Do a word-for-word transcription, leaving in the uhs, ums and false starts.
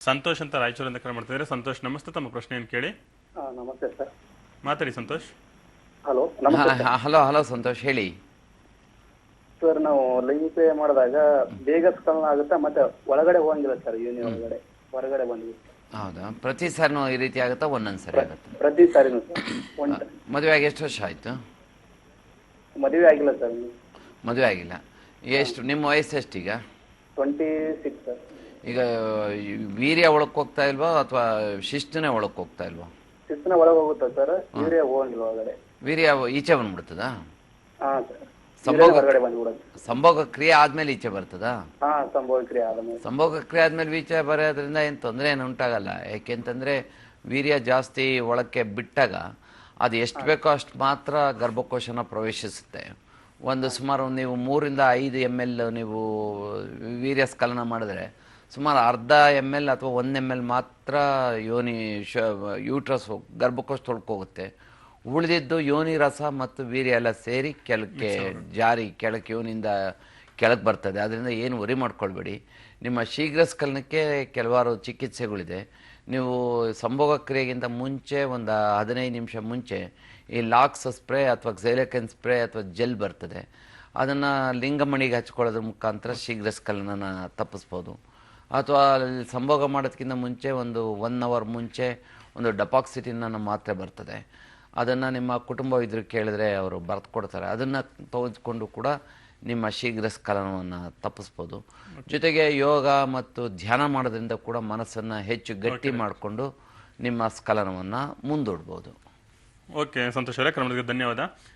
ಸಂತೋಷ್ ಅಂತ ರಾಯಚೂರಿಂದ ಕರೆ ಮಾಡ್ತಿದ್ದಾರೆ. ಸಂತೋಷ್ ನಮಸ್ತೆ, ತಮ್ಮ ಪ್ರಶ್ನೆಯನ್ನು ಕೇಳಿ. ಹಾ, ನಮಸ್ತೆ ಸರ್. ಮಾತಾಡಿ ಸಂತೋಷ್. ಹಲೋ, ನಮಸ್ತೆ ಸರ್. ಹಲೋ ಹಲೋ ಸಂತೋಷ್ ಹೇಳಿ. ಸರ್, ನಾವು ಲೈಂಗಿಕ ಮಾಡಿದಾಗ ಬೇಗ ಸ್ಖಲನ ಆಗುತ್ತಾ ಮತ್ತೆ ಒಳಗಡೆ ಹೋಗಂಗಿಲ್ಲ ಸರ್, ಯೋನಿ ಒಳಗಡೆ ಹೊರಗಡೆ ಬಂದ್ವಿ. ಹೌದಾ, ಪ್ರತಿ ಸಾರಿನೂ ಈ ರೀತಿ ಆಗುತ್ತಾ ಒಂದೊಂದು ಸರಿ ಆಗುತ್ತೆ? ಪ್ರತಿ ಸಾರಿನೂ ಸರ್. ಒಂದ್ ಮದುವೆ ಆಗಿ ಎಷ್ಟು ವರ್ಷ ಆಯಿತು? ಮದುವೆ ಆಗಿಲ್ಲ ಸರ್. ಮದುವೆ ಆಗಿಲ್ಲ. ಎಷ್ಟು ನಿಮ್ಮ ವಯಸ್ಸು ಎಷ್ಟೀಗ? Twenty six sir. ಈಗ ವೀರ್ಯ ಒಳಕ್ಕೆ ಹೋಗ್ತಾ ಇಲ್ವಾ ಅಥವಾ ಶಿಸ್ತನೇ ಒಳಕ್ಕೆ ಹೋಗ್ತಾ ಇಲ್ವಾ? ಶಿಸ್ತನ ಒಳಗೆ ಹೋಗುತ್ತಾ ಸರ್, ವೀರ್ಯ ಹೋಗಂಗಿಲ್ಲ ಒಳಗಡೆ. ವೀರ್ಯ ಈಚೆ ಬಂದ್ಬಿಡ್ತದಾ? ಹಾ ಸರ್. ಸಂಭೋಗ ಹೊರಗಡೆ ಬಂದ್ಬಿಡೋದು. ಸಂಭೋಗ ಕ್ರಿಯೆ ಆದ್ಮೇಲೆ ಈಚೆ ಬರ್ತದಾ? ಹಾ, ಸಂಭವ ಕ್ರಿಯೆ ಆದ್ಮೇಲೆ. ಸಂಭೋಗ ಕ್ರಿಯೆ ಆದ್ಮೇಲೆ ಈಚೆ ಬರೋದ್ರಿಂದ ಏನು ತೊಂದರೆ ಏನು ಉಂಟಾಗಲ್ಲ. ಯಾಕೆಂತಂದ್ರೆ ವೀರ್ಯ ಜಾಸ್ತಿ ಒಳಕ್ಕೆ ಬಿಟ್ಟಾಗ ಅದು ಎಷ್ಟು ಬೇಕೋ ಅಷ್ಟು ಮಾತ್ರ ಗರ್ಭಕೋಶನ ಪ್ರವೇಶಿಸುತ್ತೆ. ಒಂದು ಸುಮಾರು ನೀವು ಮೂರಿಂದ ಐದು ಎಮ್ ಎಲ್ ನೀವು ವೀರ್ಯ ಸ್ಖಲನ ಮಾಡಿದ್ರೆ ಸುಮಾರು ಅರ್ಧ ಎಮ್ ಎಲ್ ಅಥವಾ ಒಂದು ಎಮ್ ಎಲ್ ಮಾತ್ರ ಯೋನಿ ಶ ಯೂಟ್ರಸ್ ಗರ್ಭಕೋಶ ತೊಳ್ಕೋಗುತ್ತೆ. ಉಳಿದಿದ್ದು ಯೋನಿ ರಸ ಮತ್ತು ವೀರ್ಯ ಎಲ್ಲ ಸೇರಿ ಕೆಳಕ್ಕೆ ಜಾರಿ ಕೆಳಕ್ಕೆ ಯೋನಿಂದ ಕೆಳಗೆ ಬರ್ತದೆ. ಅದರಿಂದ ಏನು ವರಿ ಮಾಡ್ಕೊಳ್ಬೇಡಿ. ನಿಮ್ಮ ಶೀಘ್ರ ಸ್ಖಲನಕ್ಕೆ ಕೆಲವಾರು ಚಿಕಿತ್ಸೆಗಳಿದೆ. ನೀವು ಸಂಭೋಗ ಕ್ರಿಯೆಗಿಂತ ಮುಂಚೆ ಒಂದು ಹದಿನೈದು ನಿಮಿಷ ಮುಂಚೆ ಈ ಲಾಕ್ಸ್ ಸ್ಪ್ರೇ ಅಥವಾ ಝೈಲಕನ್ ಸ್ಪ್ರೇ ಅಥವಾ ಜೆಲ್ ಬರ್ತದೆ. ಅದನ್ನು ಲಿಂಗಮಣಿಗೆ ಹಚ್ಕೊಳ್ಳೋದ್ರ ಮುಖಾಂತರ ಶೀಘ್ರ ಸ್ಖಲನನ ತಪ್ಪಿಸ್ಬೋದು. ಅಥವಾ ಸಂಭೋಗ ಮಾಡೋದಕ್ಕಿಂತ ಮುಂಚೆ ಒಂದು ಒನ್ ಅವರ್ ಮುಂಚೆ ಒಂದು ಡಪಾಕ್ಸಿಟಿನ್ ಅನ್ನೋ ಮಾತ್ರೆ ಬರ್ತದೆ. ಅದನ್ನು ನಿಮ್ಮ ಕುಟುಂಬ ಇದ್ರು ಕೇಳಿದ್ರೆ ಅವರು ಬರೆದು ಕೊಡ್ತಾರೆ. ಅದನ್ನು ತೆಗೆದುಕೊಂಡು ಕೂಡ ನಿಮ್ಮ ಶೀಘ್ರ ಸ್ಖಲನವನ್ನು ತಪ್ಪಿಸ್ಬೋದು. ಜೊತೆಗೆ ಯೋಗ ಮತ್ತು ಧ್ಯಾನ ಮಾಡೋದ್ರಿಂದ ಕೂಡ ಮನಸ್ಸನ್ನು ಹೆಚ್ಚು ಗಟ್ಟಿ ಮಾಡಿಕೊಂಡು ನಿಮ್ಮ ಸ್ಖಲನವನ್ನು ಮುಂದೂಡ್ಬೋದು. ಓಕೆ ಸಂತೋಷ್ ಅವರೇ, ಕ್ರಮಕ್ಕೆ ಧನ್ಯವಾದ.